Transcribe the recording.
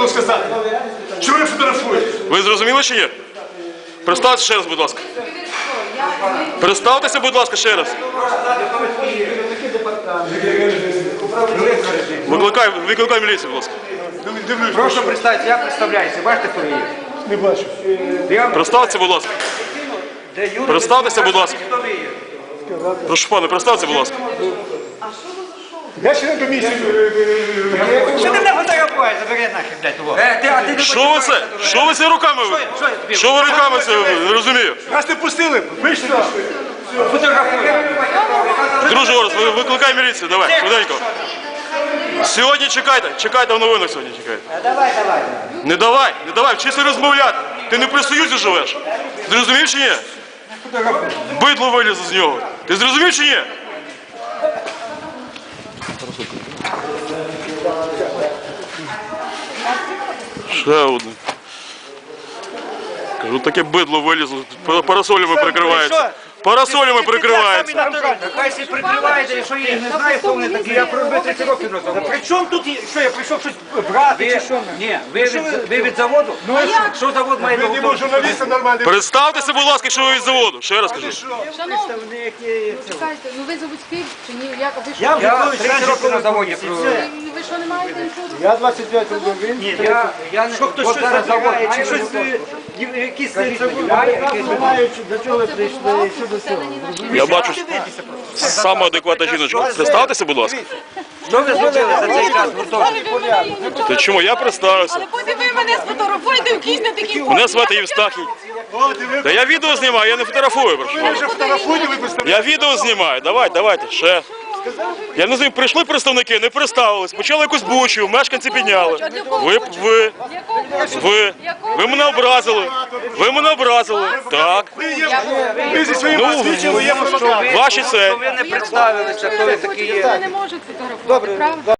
можу сказати? Чого ви фотографуєте? Ви зрозуміли чи ні? Представтеся ще раз, будь ласка. Представтеся, будь ласка, ще раз. Викликай міліцію, будь ласка. Прошу представитися, я представляюся. Бачите, хто ви є? Не бачу. Представтеся, будь ласка. Представтеся, будь ласка. Хто ви є? Прошу пане, представтеся, будь ласка. Я член комісії. Що ти мене фотографуєш? Забери нахер, блядь, того. Що ви це? Що ви це руками? Що ви руками це? Не розумію. Нас не пустили. Вийшли. Фотографуєш. Друже Орес, викликай міліцію, давай, швиденько. Сьогодні чекайте в новинах сьогодні чекайте. Не давай, вчися розмовляти. Ти не при Союзі живеш. Зрозумів чи ні? Бидло вилізло з нього. Ти зрозумів чи ні? Ще одне. Кажу, таке бидло вилізло. Парасолями прикривається. Парасолями прикривається. Хай всі прикриваєте, якщо я не знаю, хто вони такі, я пробив 30 років назад. При чому тут, що я прийшов щось брати чи що? Ні, ви від заводу? Ну а що завод має Ви не журналісти нормальні. Представтеся, будь ласка, що ви від заводу. Ще раз кажу. Шановні, чекайте, ну ви заводський чи ні? Ви що? Я 30 років на заводі пробив. Ви що не маєте нічого? Я 25 років. Ні, я не... От зараз завод, а щось, якісь рішення має, До чого ви прийшли? Що до цього? Я бачу саме адекватна жіночка. Представтеся, будь ласка. що ви зробили за цей час гуртожитку? Ти чому? Я представився. Але потім ви мене сфотографуєте в кінь на такій Мене звати Євстахій. Та я відео знімаю, я не фотографую. Прошу. Я відео знімаю. Давайте, ще. Я не знаю, прийшли представники, не представились, почали якусь бучу, мешканці підняли. Ви мене образили. Ви мене образили. Так. Ви зі своїм свідчили, є фотографія. Ваші це. Ви не представилися, хто ви такі є. Ви не можете фотографувати, правда?